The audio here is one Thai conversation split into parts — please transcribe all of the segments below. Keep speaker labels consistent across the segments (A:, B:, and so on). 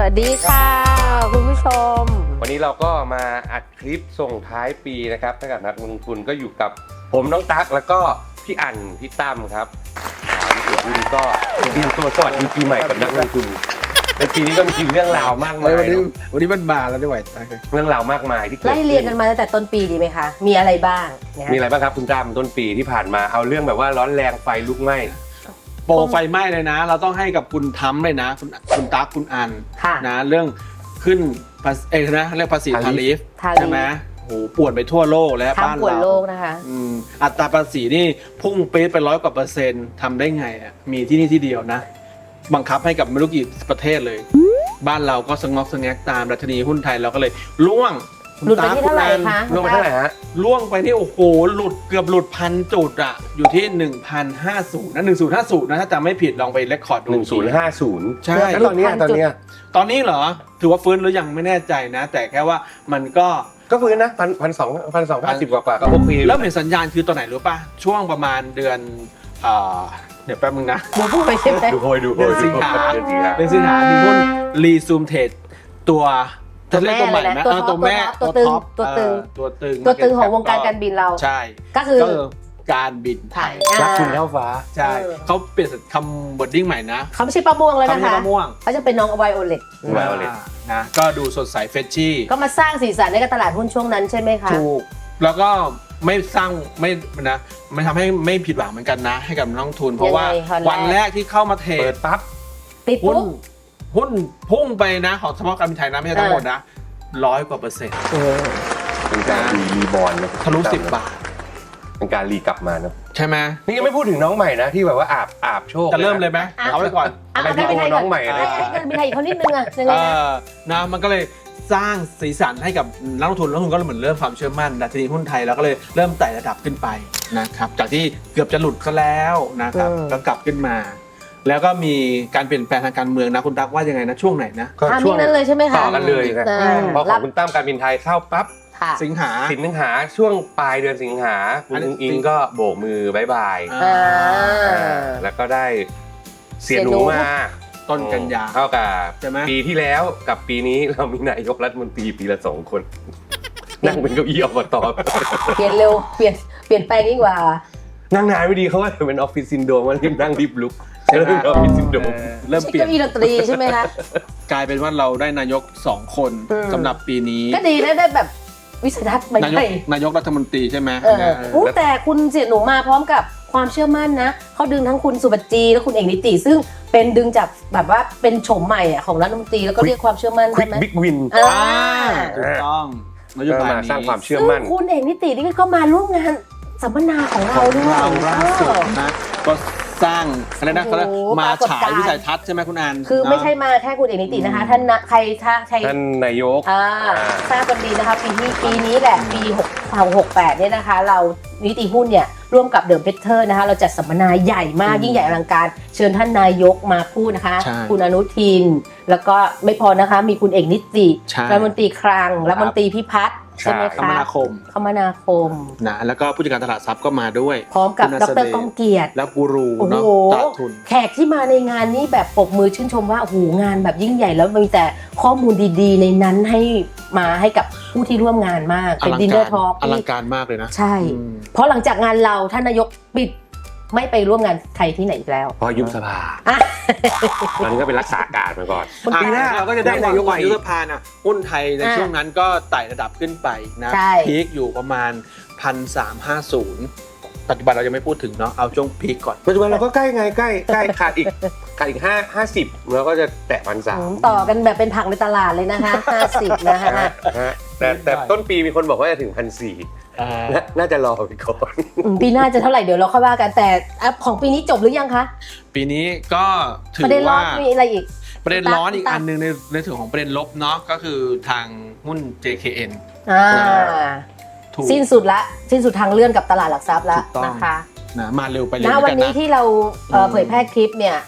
A: วัสดีค่ะคุณผู้ชม
B: วันนี้เราก็มาอัดคลิปส่งท้ายปีนะครับให้กับนักลงทุนก็อยู่กับผมน้องตั๊กแล้วก็พี่อั๋นพี่ตั้มครับพี่ตุ้นก็เตรียมตัวสวัสดีปีใหม่กับนักลงทุนในปีนี้ก็มีเรื่องราวมากมาย
C: วันนี้มันมาแล้วด้วย
B: เรื่องราวมากมายที่เกิด
A: ไล่เรียงกันมาตั้งแต่ต้นปีดีไหมคะมีอะไรบ้าง
B: มีอะไรบ้างครับคุณตั้มต้นปีที่ผ่านมาเอาเรื่องแบบว่าร้อนแรงไฟลุกไหม้
C: โปรไฟไหม้เลยนะ เราต้องให้กับคุณทั้มเลยนะคุณตั๊กคุณอันนะเรื่องขึ้นนะเรื่องภาษีทาริฟใช่ไหมโอ้โหป่วนไปทั่วโลกแล้วบ้านเราป่วน
A: โลกนะคะ
C: อัตราภาษีนี่พุ่งปี๊ดไป100 กว่า%ทำได้ไงอ่ะมีที่นี่ที่เดียวนะบังคับให้กับไม่รู้กี่ประเทศเลยบ้านเราก็สงบสงบตามดัชนีหุ้นไทยเราก็เลยล่วง
A: หลุดไปที่เท่าไหร่คะ
B: ล่วงไปเท่าไหร่ฮะ
C: ล่วงไปที่โอ้โหเกือบหลุด1,000 จุดอ่ะอยู่ที่1050นะ1050นะถ้าจำไม่ผิดลองไปเรคคอร์ดดู
B: 1050ใช่แล้วตอนนี้
C: เหรอถือว่าฟื้นหรือยังไม่แน่ใจนะแต่แค่ว่ามันก็
B: ฟื้นนะ1,250กว่าก็โอเค
C: แล้วเห็นสัญญาณคือตอนไหนรู้ป่ะช่วงประมาณเดือนเดี๋ยวแป๊บนึงนะ
A: ดูไปใช่ไหม
B: ดู
C: เดือนสิงหามีหุ้นรีซูมเทรดตัวเรียกตัวใหม่ไหมตัวแม่
A: ตัวตึงของวงการการบินเรา
C: ใช่
A: ก็คือ
C: การบินไทย
B: รักคุณเท่าฟ้า
C: ใช่เขาเปลี่ยนคำบดดิ้งใหม่นะ
A: เขาไม่ใช่ปลาม่วงแล้วนะคะเขาจะเป็นน้องไวโอเลต
C: นะก็ดูสดใสเฟรชชี่
A: ก็มาสร้างสีสันในตลาดหุ้นช่วงนั้นใช่ไหมคะ
C: ถูกแล้วก็ไม่สร้างไม่ทำให้ไม่ผิดหวังเหมือนกันนะให้กับนักลงทุนเพราะว่าวันแรกที่เข้ามาเทรด
B: ปั๊บ
A: ติดหุ้
C: นพุ่งไปนะของเฉพาะการบินไทยนะไม่ใช่ทั้งหมดนะ100 กว่า%
B: เป็นการรีบอลนะ
C: ทะลุ10 บาท
B: เป็นการรีกลับมานะ
C: ใช่ไหม
B: นี่ยังไม่พูดถึงน้องใหม่นะที่แบบว่าอาบโชค
C: จะเริ่มเลยไหมเอาไว้ก่อน
A: อะไรที่น้องใหม่อะไรการบินไทยเขานิดนึงอะยังไง
C: นะมันก็เลยสร้างสีสันให้กับนักลงทุนก็เหมือนเริ่มความเชื่อมั่นดัชนีหุ้นไทยแล้วก็เลยเริ่มไต่ระดับขึ้นไปนะครับจากที่เกือบจะหลุดซะแล้วนะครับก็กลับขึ้นมาแล้วก็มีการเปลี่ยนแปลงทางการเมืองนะคุณตั๊กว่ายังไงนะช่วงไหนนะ
A: ช่วงนั้นเลยใช่ไหมคะ
B: ต่อกันเลยพอของคุณตั้มการบินไทยเข้าปั๊บสิงหาช่วงปลายเดือนสิงหาคุณอิงก็โบกมือบายบายแล้วก็ได้เสียหนูมา
C: ต้นกันยา
B: เท่ากับปีที่แล้วกับปีนี้เรามีนายกรัฐมนตรีปีละ2 คนนั่งเป็นเก้าอี้อบต
A: เปลี่ยนเร็วเปลี่ยนแปลงยิ่งกว่า
B: นั่งนานไม่ดีเขาว่าเป็นออฟฟิศซินโดรมว่ารีบนั่งรีบลุกเริ่มออฟฟิศซินโดรม
C: เริ่มเปลี่ยน
A: เก้าอี้ดนตรีใช่ไหมคะ
C: กลายเป็นว่าเราได้นายก2 คนสำหรับปีนี้
A: ก็ดีได้แบบวิสัยทัศน์ใหม่
C: นายกรัฐมนตรีใช่ไหม
A: แต่คุณเสียหนูมาพร้อมกับความเชื่อมั่นนะเขาดึงทั้งคุณสุบัจจีและคุณเอกนิติซึ่งเป็นดึงจากแบบว่าเป็นโฉมใหม่ของรัฐมนตรีแล้วก็เรียกความเชื่อมั่นได้ไหม
B: บิ๊กวิน
C: ถูกต้องนโยบายนี้
B: สร้างความเชื่อมั่น
A: คุณเอกนิตินี่ก็มาร่วมงานสัมมนาของเราด้วย
C: ล่าสุดนะก็สร้างอะไรนะเขามาฉายวิสัยทัศน์ใช่ไหมคุณอัน
A: คือไม่ใช่มาแค่คุณเอกนิตินะคะท่านท่าน
B: นายก
A: ทราบกันดีนะคะปีนี้แหละปี68เนี่ยนะคะเรานิติหุ้นเนี่ยร่วมกับเดิมเพชรเทอร์นะคะเราจัดสัมมนาใหญ่มากยิ่งใหญ่อลังการเชิญท่านนายกมาพูดนะคะคุณอนุทินแล้วก็ไม่พอนะคะมีคุณเอกนิติรัฐมนตรีคลังรัฐมนตรีพิพัฒน์ใช่ไหมคะคมนาคม
C: นะแล้วก็ผู้จัดการตลาดทรัพย์ก็มาด้วย
A: พร้อมกับดร.ก้องเกียรติ
C: และกูรูเนาะตลาดทุน
A: แขกที่มาในงานนี้แบบปรบมือชื่นชมว่าโอ้โหงานแบบยิ่งใหญ่แล้วมีแต่ข้อมูลดีๆในนั้นให้กับผู้ที่ร่วมงานมากเป็นดินเนอร์ทอล์ก
C: อลังการมากเลยนะ
A: ใช่เพราะหลังจากงานเราท่านนายกปิดไม่ไปร่วมงานใครที่ไหนอีกแล้ว
B: พอยุบสภาตอนนี้ก็เป็นรักษาการมาก่อน
C: ปีหน้าเราก็จะได้นายกยุบสภาน่ะหุ้นไทยในช่วงนั้นก็ไต่ระดับขึ้นไปนะพีคอยู่ประมาณ 1,350 ปัจจุบันเรายังไม่พูดถึงเนาะเอาช่วงพีคก่อน
B: ปัจจุบันเราก็ใกล้ขาดอีก50แล้วก็จะแตะ1,300
A: ต่อกันแบบเป็นผักในตลาดเลยนะคะ50นะคะ
B: แต่ต้นปีมีคนบอกว่าจะถึง1,400น่าจะรอไปก่อน
A: ปีหน้าจะเท่าไหร่เดี๋ยวเราค่อยว่ากันแต่ของปีนี้จบหรือยังคะ
C: ปีนี้ก็ถือว่า
A: มีอะไรอีก
C: ประเด็นร้อนอีกอันนึงในส่วนของประเด็นลบเนาะก็คือทางหุ้น JKN
A: สิ้นสุดทางเลื่อนกับตลาดหลักทรัพย์แล้วนะคะ
C: นะมาเร็วไปเลย
A: นะวันนี้ที่เราเผยแพร่คลิปเนี่ย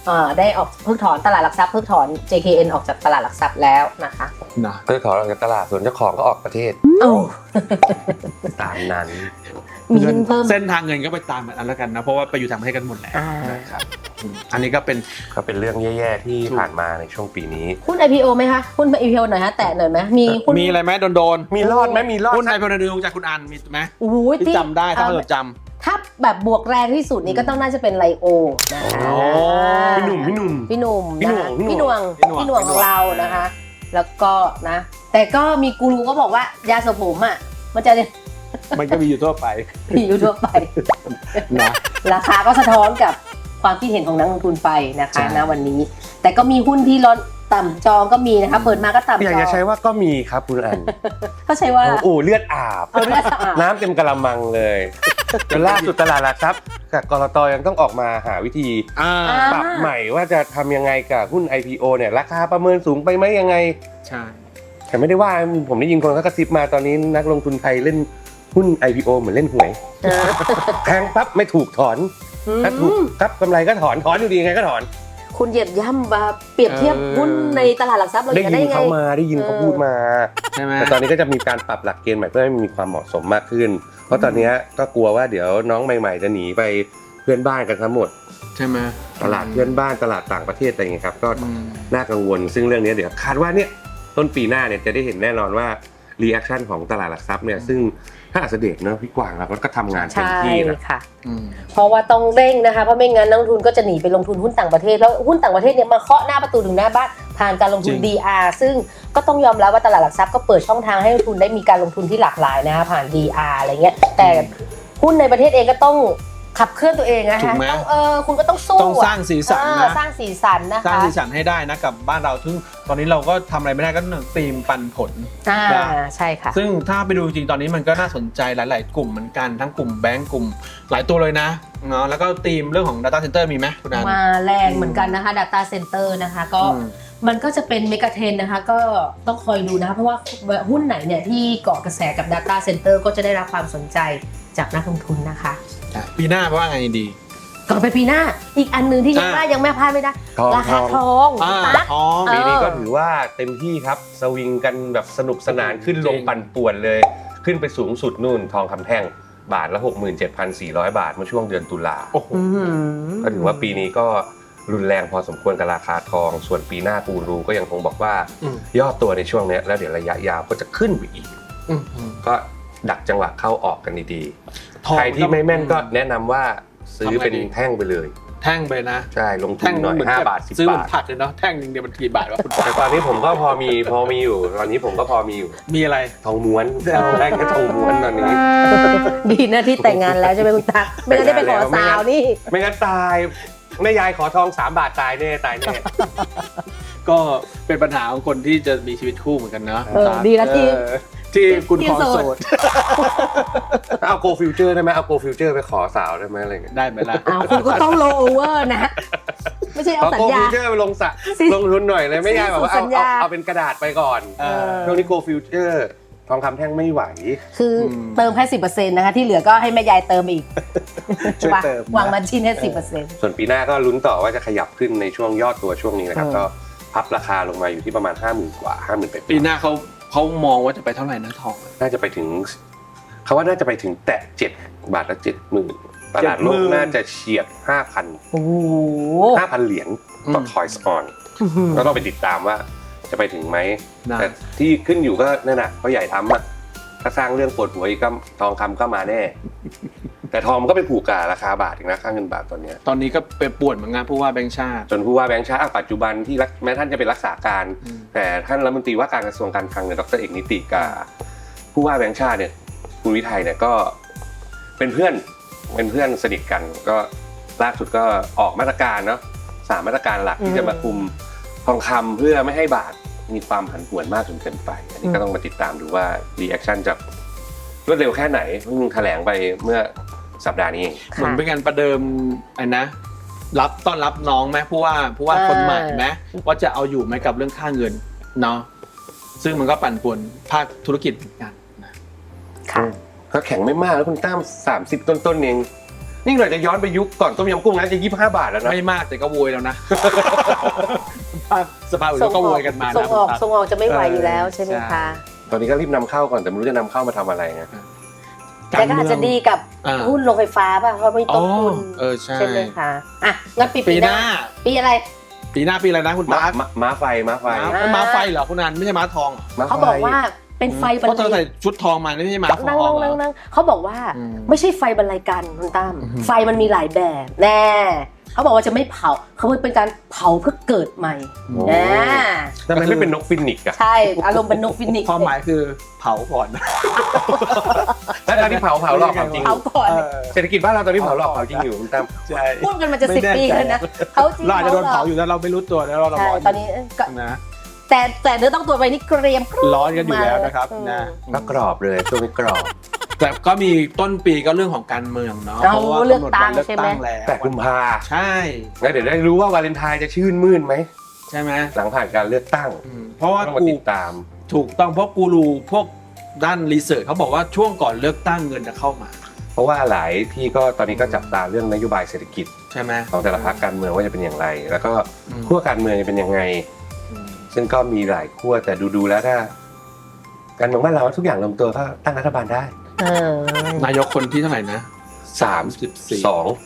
A: ได้ออกเพิกถอนตลาดหลักทรัพย์เพิกถอน JKN ออกจากตลาดหลักทรัพย์แล้วนะคะ
C: นะ
B: เพื่อขอออกจากตลาดส่วนเจ้าของก็ออกประเทศ
A: เอ้า
B: ตามนั้น
A: มีเงินเพิ่ม
C: เส้นทางเงินก็ไปตามกันแล้วกันนะเพราะว่าไปอยู่ต่างประเทศกันหมดแล้ว
B: นะครับ
C: อันนี้ก็เป็น
B: ก็เป็นเรื่องแย่ๆที่ผ่านมาในช่วงปีนี้
A: หุ้น IPO ไหมคะหุ้น IPO หน่อยฮะแตะหน่อยไหมมีหุ้น
C: มีอะไรไหมโดน
B: มีรอดไหมมีรอด
C: หุ้นไอพอนดูจากคุณอันมีไหม
A: โอ้ย
C: ที่จำได้ถ้าเราจ
A: ถ้าแบบบวกแรงที่สุดนี่ก็ต้องน่าจะเป็นไลโอนะคะ
C: โอ้
B: พี่หนุ่ม
A: พี่หนุ่ม
B: พี่หน่วง
A: นะคะ
B: พี่
A: พี่
B: ห
A: ห
B: น่
A: น่
B: ว
A: ว
B: ง
A: งพี่หน่วงของเรานะคะ แล้วก็นะ แต่ก็มีกูรูก็บอกว่ายาสระผมอ่ะมันจะ
C: ำมันก็มีอยู่ทั่วไป
A: มีอยู่ทั่วไป
C: นะ
A: ราคาก็สะท้อนกับความคิดเห็นของนักลงทุนไปนะคะ
C: ใช่
A: ณวันนี้ แต่ก็มีหุ้นที่ร้อนต่ำจองก็มีนะคะเปิดมาก็ต่ำจอง
B: อยากจะใช้ว่าก็มีครับคุณอัน
A: เขาใช้ว่า
B: โอ้เลือดอาบ
A: เอาเลือดอาบ
B: น้ำเต็มกระมังเลยจนล่าสุดตลาดหลักทรัพย์กับกลตยังต้องออกมาหาวิธี
C: อ่า
B: ปรับใหม่ว่าจะทำยังไงกับหุ้น IPO เนี่ยราคาประเมินสูงไปไหมยังไง
C: ใช่
B: แต่ไม่ได้ว่าผมได้ยินคนเขากระซิบมาตอนนี้นักลงทุนไทยเล่นหุ้น IPO เหมือนเล่นหวยแทงปั๊บไม่ถูกถอนถ้าถูกครับกำไรก็ถอนอยู่ดียังไงก็ถอน
A: คุณเหยียบย่ำมาเปรียบเทียบหุ้นในตลาดหลักทรัพย์เรา
B: ได้
A: จะได้
B: ยิน
A: ไง
B: เขามาได้ยินเขาพูดมา
C: ใช่ไหม
B: แต่ตอนนี้ก็จะมีการปรับหลักเกณฑ์ใหม่เพื่อให้มันมีความเหมาะสมมากขึ้น เพราะตอนนี้ก็กลัวว่าเดี๋ยวน้องใหม่ๆจะหนีไปเพื่อนบ้านกันทั้งหมด
C: ใช่ไหม
B: ตลาดเพื่อนบ้านตลาดต่างประเทศอะไรอย่างเงี้ยครับก็
C: อืม
B: น่ากังวลซึ่งเรื่องนี้เดี๋ยวคาดว่าเนี่ยต้นปีหน้าเนี่ยจะได้เห็นแน่นอนว่ารีแอคชั่นของตลาดหลักทรัพย์เนี่ยซึ่งถ้าอัสเดชเนอะพี่กวางเราก็ทำงานเต็ม
A: ใช่
B: ที่นะ
A: ค่ะ
C: อืม
A: เพราะว่าต้องเร่งนะคะเพราะไม่งั้นนักลงทุนก็จะหนีไปลงทุนหุ้นต่างประเทศแล้วหุ้นต่างประเทศเนี่ยมาเคาะหน้าประตูถึงหน้าบ้านผ่านการลงทุน
C: จริง
A: DR ซึ่งก็ต้องยอมรับว่าตลาดหลักทรัพย์ก็เปิดช่องทางให้นักลงทุนได้มีการลงทุนที่หลากหลายนะคะผ่าน DR อะไรเงี้ยแต่หุ้นในประเทศเองก็ต้องขับเคลื่อนตัวเองนะ
C: ถู
A: คะ
C: กไหม
A: ต้องคุณก็ต้องสู้
C: ต้องสร้างสีสันนะ
A: สร้างสีสันนะ
C: สร้าง
A: คะ
C: สีสันให้ได้นะกับบ้านเราซึ่งตอนนี้เราก็ทำอะไรไม่ได้ก็ธีมปันผล
A: ใช่ค่ะ
C: ซึ่งถ้าไปดูจริงๆตอนนี้มันก็น่าสนใจหลายๆ กลุ่มเหมือนกันทั้งกลุ่มแบงก์กลุ่มหลายตัวเลยนะเนาะแล้วก็ธีมเรื่องของ Data Center มีไหมคุณอัน
A: มาแรงเหมือนกันนะคะ Data Center นะคะก็
C: อืม
A: มันก็จะเป็นเมกะเทรนนะคะก็ต้องคอยดูนะคะเพราะว่าหุ้นไหนเนี่ยที่เกาะกระแสกับ Data Center ก็จะได้รับความสนใจจากนักลงทุนนะคะ
C: ปีหน้าเพราะว่าไงดี
A: ก่อนไปปีหน้าอีกอันหนึ่งที่ยังไม่พลาดไม่ได้
B: ทอง
A: ราคาทอง ตั๊ก
C: ทอง
B: ปีนี้ก็ถือว่าเต็มที่ครับสวิงกันแบบสนุกสนานขึ้นลงปั่นป่วนเลย ขึ้นไปสูงสุดนู่นทองคำแท่งบาทละ 67,400 บาทเมื่อช่วงเดือนตุลา
C: โอ้โห
B: ก็ถือว่าปีนี้ก็รุนแรงพอสมควรกับราคาทอง ส่วนปีหน้ากูรูก็ยังคงบอกว่า
C: อืม
B: ย่อตัวในช่วงนี้แล้วเดี๋ยวระยะยาวก็จะขึ้นไปอีก
C: อืม
B: ก็ดักจังหวะเข้าออกกันดี
C: ทอง
B: ๆใครที่ไม่แม่นก็แนะนำว่าซื้อเป็นแท่งไปเลย
C: แท่งไปนะ
B: ใช่ลงทุ
C: แท่
B: น
C: ง
B: หน่อย
C: เหมือน
B: 5 บาท 10
C: ซื้อเหมื
B: บา
C: อน
B: ท
C: ผักเลยเนาะแท่งหนึงเดียวมันกี่บาทวะคุณปา
B: แต่ตอนนี้ผมก็พอมีอยู่ตอนนี้ผมก็พอมีอยู่
C: มีอะไร
B: ทองม้วนได้แค่ทองม้วนตอนนี้
A: ดีนะที่แต่งงานแล้วใช่ไหมคุณตั๊กไม่งั้นได้ไปขอสาวนี่
B: ไม่งั้นตายแม่ยายขอทอง3 บาทตายแน่ตายแน่
C: ก็เป็นปัญหาของคนที่จะมีชีวิตคู่เหมือนกันเนาะ
A: ดีนะที่
C: ที่คุณ
A: ที่
C: ขอ
A: โส
C: โส
A: ด
C: ด
B: เอาโกฟิวเจอร์ได้ไหมเอาโกฟิวเจอร์ไปขอสาวได้ไหมอะไรเงี้ย
C: ได้ไหมล่ะ
A: คุณก็ต้องโลโอเวอร์นะ ไม่ใช่เอา
B: เอา
A: สัญ
B: โก
A: ญา
B: ฟิวเจอร์ไปลงทุนหน่อยเลยแม่ยายบอกว่า
A: สัญญา
B: เอาเป็นกระดาษไปก่อน
C: เออ
B: ช่วงนี้โกฟิวเจอร์ทองคำแท่งไม่ไหว
A: คือเติมแค่10%นะคะที่เหลือก็ให้แม่ยายเติมอีก
C: ช่วยเติม
A: วางมาชิ้นแค่10%
B: ส่วนปีหน้าก็ลุ้นต่อว่าจะขยับขึ้นในช่วงยอดตัวช่วงนี้นะครับ
A: เออ
B: ก็พับราคาลงมาอยู่ที่ประมาณ 50,000 กว่า 50,000 ไป
C: ปีหน้าเขามองว่าจะไปเท่าไหร่นะทอง
B: น่าจะไปถึงเขาว่าน่าจะไปถึงแตะ7 บาทละ 70,000ตลาดโลก
C: 70,000
B: น่าจะเฉียด 5,000
A: โอ้โห
B: 5,000 เหรียญต่อ Toys On ก็ต้องไปติดตามว่าจะไปถึงไหม
C: นะ
B: แต่ที่ขึ้นอยู่ก็นั่นน่ะเพราะใหญ่ทำอ่ะถ้าสร้างเรื่องปวดหัวอีกก็ทองคำก็มาแน่ แต่ทองมันก็ไปผูกกับราคาบาทอีกนะค่าเงินบาทตอนเนี้ย
C: ตอนนี้ก็ไปป่วนเหมือนงานผู้ว่าแบงค์ชาติ
B: จนผู้ว่าแบงค์ชาติปัจจุบันที่แม้ท่านจะเป็นรักษาการ
C: อืม
B: แต่ท่านรัฐมนตรีว่าการกระทรวงการคลังเนี่ยดรเอกนิติกับผู้ว่าแบงค์ชาติเนี่ยคุณวิทัยเนี่ยก็เป็นเพื่อนสนิทกันก็ล่าสุดก็ออกมาตรการเนาะ3 มาตรการหลักที่จะมาคุมทองคำเพื่อไม่ให้บาทมีความผันผวนมากจนเกินไป อันนี้ก็ต้องมาติดตามดูว่ารีแอคชั่นจะรวดเร็วแค่ไหนเพิ่งแถลงไปเมื่อสัปดาห์นี้เอง
C: เหมือนเป็นการประเดิมไอ้นะต้อนรับน้องไหมผู้ว่าคนใหม่ไหมว่าจะเอาอยู่ไหมกับเรื่องค่าเงินเนาะซึ่งมันก็ปั่นป่วนภาคธุรกิจเหมือนกันนะ
A: ค่ะ
B: ก็แข็งไม่มากแล้วคุณตั้ม30 ต้นๆเองนี่เราจะย้อนไปยุคก่อนต้มยำกุ้งนะจะ25 บาทแล้วนะ
C: ไม่มากแต่ก็โวยแล้วนะ สภาพอื่นก็โวยกันมา
A: ส่
C: นะ
A: งออกส่งออกจะไม่ไหวอยู่แล้วใช่ไหมคะ
B: ตอนนี้ก็รีบนำเข้าก่อนแต่ไม่รู้จะนำเข้ามาทำอะไรนะ
A: แต่ก็อาจจะดีกับหุ้นโรงไฟฟ้าป่ะเพราะไม่ต้นทุน
C: ใช่
A: ใช่ไหมคะอ่ะงั้นปี
C: ปี
A: ห
C: ห
A: น้า
C: น้า
A: ปีอะไร
C: ปีหน้าปีอะไรนะคุณตั๊ก
B: ม้าไฟ
C: ม้าไฟเหรอคุณนันไม่ใช่ม้าทอง
A: เขาบอกว่าเป็นไฟบร
C: เพราะ
A: ร
C: เธอ
A: ลั
C: ใส่
A: ย
C: ชุดทองมาไม่ใช่ม้าท
A: นั่ง
C: อง
A: นั่งนั่งเขาบอกว่าไม่ใช่ไฟบรรลัยกันคุณตั้ม
C: อือฮึ
A: ไฟมันมีหลายแบบแน่เขาบอกว่าจะไม่เผาเขาเป็นการเผาเพื่อเกิดใหม่นะ
B: ทำไมไม่เป็นนกฟินิกซ์อะ
A: ใช่อารมณ์เป็นนกฟินิกซ์
C: ความหมายคือเผาก่อนนะ
B: แล้วตอนนี้เผาหลอกเผาจริง
A: เผาก่อน
B: เศรษฐกิจบ้านเราตอนนี้เผาหลอกเผาจริงอยู่คุณตั้ม
C: ใช่
A: พูดกันมาจะ10 ปีแล้วนะเขาจริง
C: เราอาจจะโดนเผาอยู่แล้วเราไม่รู้ตัวแล้วเรา
A: ใช่
C: ร้อน
A: ตอนนี้ก็
C: นะ
A: แต่เนื้อต้องตัวไปนี่เกรียม
C: ร้อนกันอยู่แล้วนะครับนะ
B: ก็กรอบเลยช่วงนี้กรอบ
C: แต่ก็มีต้นปีก็เรื่องของการเมืองเนาะ
A: เอา
C: เพราะว่า
A: เลือก
C: กำหนด
A: ตั้
C: วั
A: ง
C: นเลือก
A: ใช่ไหม
C: ตั้งแล้ว
B: แต่กุมภา
C: ใช่
B: แล้วเดี๋ยวได้รู้ว่าวาเลนไทน์จะชื่นมื่นไหม
C: ใช่ไหม
B: หลังผ่านการเลือกตั้ง
C: เพราะว่า
B: ต้องมา
C: กู
B: ติดตาม
C: ถูกต้องเพราะกูรูพวกด้านรีเสิร์ชเขาบอกว่าช่วงก่อนเลือกตั้งเงินจะเข้ามา
B: เพราะว่าหลายที่ก็ตอนนี้ก็จับตาเรื่องนโยบายเศรษฐกิจ
C: ใช่ไหม
B: ของแต่ละพรรคการเมืองว่าจะเป็นอย่างไร แล้วก็
C: อืม
B: ขั้วการเมืองจะเป็นยังไง ซึ่งก็มีหลายขั้วแต่ดูแล้วถ้าการเมืองบ้านเราทุกอย่างลงตัวก็ตั้งรัฐบาลได้
C: นายกคนที่เท่าไหร่นะ
B: 32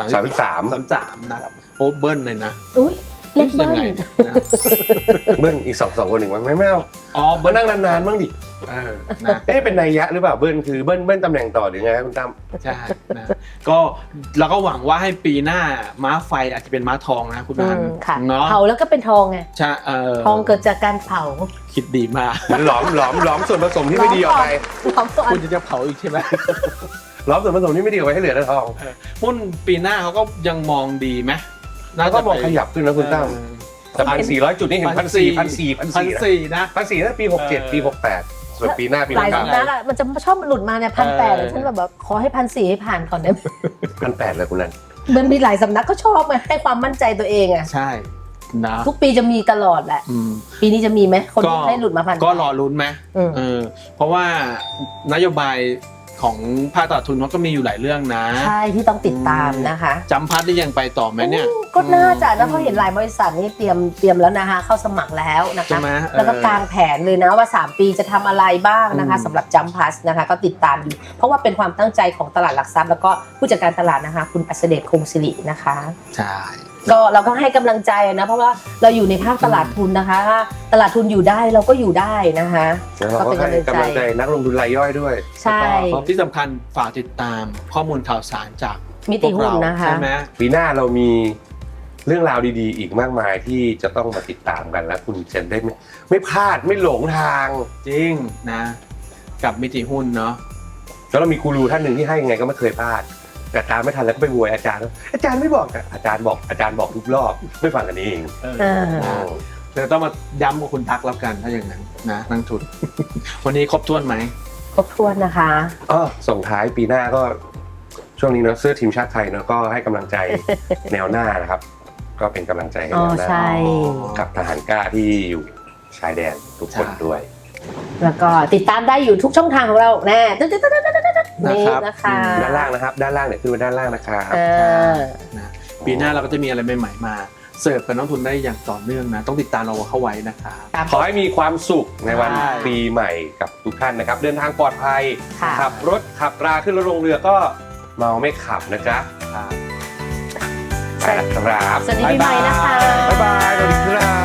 B: 33
C: 33นะครับโอ้เบิ้ลเลยนะ
A: อุ้ยเล็ก
C: ยั
A: มาก
C: ไงนะ
B: เบิ้ลอีก2คนหนึ่งมั้งไม่เอา
C: อ๋อ
B: มา
C: เบิ้ล
B: นั่งนานๆบ้างดิ
C: นะ
B: เป็นนัยยะหรือเปล่าเบิ้ลคือเบิ้ลตำแหน่งต่อหรือไงครับคุณตั้ม
C: ใช่นะก็เราก็หวังว่าให้ปีหน้าม้าไฟอาจจะเป็นม้าทองนะคุณนัน
A: ค่ะ
C: เนาะ
A: เผาแล้วก็เป็นทองไง
C: ใช่
A: ทองเกิดจากการเผา
C: คิดดีมาก
B: มันหลอมส่วนผสมที่ไม่ดีออกไป
A: หลอมก่อน
C: คุณจะเผาอีกใช่ไหม
B: หลอมส่วนผสมที่ไม่ดีออกไปให้เหลือแต่ทอง
C: หุ้นปีหน้าเขาก็ยังมองดีไหม
B: แล้วก็มองขยับขึ้นนะคุณตั้มแต่1,400 จุดนี่เห็น1,400
C: นะ
B: 1,400นะปี67ปี68ส่วนปีหน้าปี
A: หลาย
B: หน้า
A: สำนักอะมันจะชอบหลุดมาเนี่ย1,800ฉันแบบขอให้1,400ให้ผ่านก่อนได้ไหม
B: 1,800เลยคุณนัน
A: มันมีหลายสำนักก็ชอบมาให้ความมั่นใจตัวเองอะ
C: ใช่นะ
A: ทุกปีจะมีตลอดแหละ
C: อืม
A: ปีนี้จะมีไหมคน
C: ก็
A: ให้หลุดมา1,800
C: ก็รอลุ้นไหม
A: อืม
C: เพราะว่านโยบายของภาคตลาดทุนเขาก็มีอยู่หลายเรื่องนะ
A: ใช่ที่ต้องติดตามนะคะ
C: จำพัดได้ยังไปต่อไหมเนี่ย
A: ก็น่าจะนะเพราะเห็นหลายบริษัทนี่เตรียมแล้วนะคะเข้าสมัครแล้วนะ
C: ใช่
A: คะ
C: ไหม
A: แล้วก็กางแผนเลยนะว่า 3 ปีจะทำอะไรบ้างนะคะสำหรับจัมพัสนะคะก็ติดตามอยู่เพราะว่าเป็นความตั้งใจของตลาดหลักทรัพย์แล้วก็ผู้จัดการตลาดนะคะคุณอัศเดชคงศิรินะคะ
C: ใช่
A: ก็เราก็ให้กำลังใจนะเพราะว่าเราอยู่ในภาคตลาดทุนนะคะถ้าตลาดทุนอยู่ได้เราก็อยู่ได้นะคะ
B: แล้วเราก็ให้กำลังใจนักลงทุนรายย่อยด้วย
A: ใช่
C: แล้วก็ที่สำคัญฝากติดตามข้อมูลข่าวสารจาก
A: มิติหุ้นนะคะ
C: ใช่ไหม
B: ปีหน้าเรามีเรื่องราวดีๆ อีกมากมายที่จะต้องมาติดตามกันและคุณจะได้ไม่พลาดไม่หลงทาง
C: จริงนะ กับมิติหุ้นเนาะ
B: แล้วเรามีกูรูท่านหนึ่งที่ให้ยังไงก็ไม่เคยพลาด แต่ตามไม่ทันแล้วก็ไปโวยอาจารย์ไม่บอกอาจารย์บอกทุกรอบไม่ฟังกันเอง
C: เดี๋ยวต้องมาย้ำกับคุณทักแล้วกันถ้าอย่างนั้นนะนักทุน วันนี้ครบถ้วนไหม
A: ครบถ้วนนะคะ
B: ส่งท้ายปีหน้าก็ช่วงนี้เนอะเสื้อทีมชาติไทยเนอะก็ให้กำลังใจ แนวหน้านะครับ ก็เป็นกำลังใจให้
A: อ๋อ
B: แนวหน้า
A: ใช่
B: กับทหารกล้าที่อยู่ชายแดนทุกคนด้วย
A: แล้วก็ติดตามได้อยู่ทุกช่องทางของเราแน่นี่นะคะ
B: ด้านล่างนะครับด้านล่างเนี่ยขึ้นมาด้านล่างนะครับ
C: นะปีหน้าเราก็จะมีอะไรใหม่ๆมาเสิร์ฟกับนักทุนได้อย่างต่อเนื่องนะต้องติดตามเราเข้าไว้นะครับ
B: ขอให้มีความสุขในวัน
C: ใช่
B: ปีใหม่กับทุกท่านนะครับ เดินทางปลอดภัย
A: ค่ะ
B: ขับรถขับราขึ้นรถลงเรือก็เมาไม่ขับนะจ๊ะไปแล้วครับ
A: สวัสดีปีใหม่นะคะ
B: บ๊ายบายสวัสดีครับ